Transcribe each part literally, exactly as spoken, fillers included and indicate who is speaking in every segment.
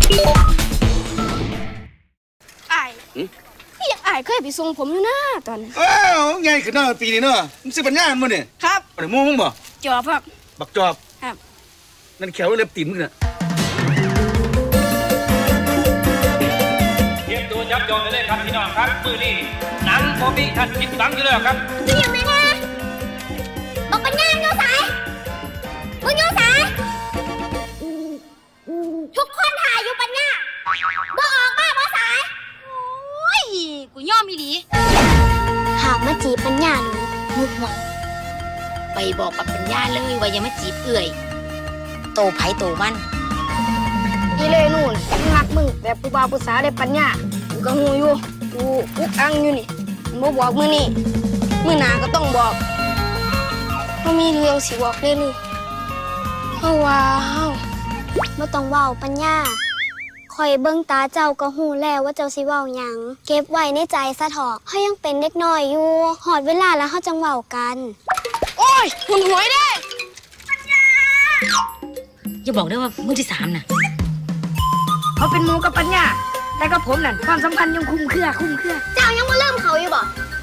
Speaker 1: ไอ้พี่ไอ้เคยไปส่งผมอยู่นะตอนนั้น
Speaker 2: อ้าวไงขึ้นหน้าปีนี้เนาะมึงซื้อปัญญามันเนี่ย
Speaker 1: ครับ
Speaker 2: อะไรมูมึงบ่
Speaker 1: จอบครับ
Speaker 2: บักจอบ
Speaker 1: ครับ
Speaker 2: นั่นแขวเล็บตีนมึงน่ะ
Speaker 3: เตรียมตัวยับยองเลยครับพี่น้องครับมือนี้หนังโมบี้ทันจิตบังอยู่แล้วครับ
Speaker 4: จะยังไงนะบอกปัญญาโยสายมึงโยสายทุกคนถ่ายอยู่ปัญญาบอกออกมาบอสาย
Speaker 1: โอ้ยกูย่อมอีหลี
Speaker 4: หากมาจีบปัญญาหนูมุกหวัง
Speaker 5: ไปบอกกับปัญญาเลยว่าอย่ามาจีบเอื่อยโตไผโตมัน
Speaker 1: อีเล่นู่นรักมึงแต่ผู้บ่าวผู้สาวได้ปัญญากูก็หูอยู่กูอุกอังอยู่นี่บ่บอกมือนี่มือหนาก็ต้องบอกเขามีเรื่องสิบอกเลยลูกเฮาว่าเฮา
Speaker 4: บ่ต้องเว้าปัญญาคอยเบิ่งตาเจ้าก็ฮู้แล้วว่าเจ้าสิเว้าหยังเก็บไว้ในใจซะเถาะเฮายังเป็นเด็กน้อยอยู่ฮอดเวลาแล้วเฮาจังเว้ากัน
Speaker 1: โอ้ยหุ่นหวยได้
Speaker 5: อย่าบอกได้ว่ามือที่สามน่ะ
Speaker 1: เขาเป็นหมูกับปัญญาแต่กับผมนั่นความสัมพันธ์ยังคุ้มเครือคุ้มเครือ
Speaker 4: เจ้ายังมาเริ่มเขาอยู่บ่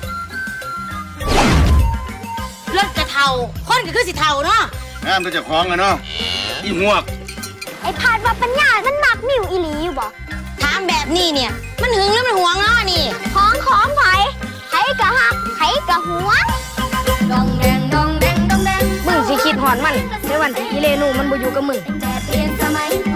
Speaker 5: เลิกกระเทาคนก็คือสิเทาเนาะ
Speaker 2: งามตัวเจ้าของอะเนาะอีหมวก
Speaker 4: ไอ้พาดว่าปัญญามันมักมิวอีหลีอยู่บ่
Speaker 5: ถามแบบนี้เนี่ยมันหึงหรือมันหวงเนาะนี่
Speaker 4: ของของไผไผกะฮักไผกะหวงดองแดงดองแดงดองแดง
Speaker 1: มึงสิคิดหอนมันในวันที่อีเลนูมันบ่อยู่กับมึง
Speaker 4: แต่เปลี่ยนสมัย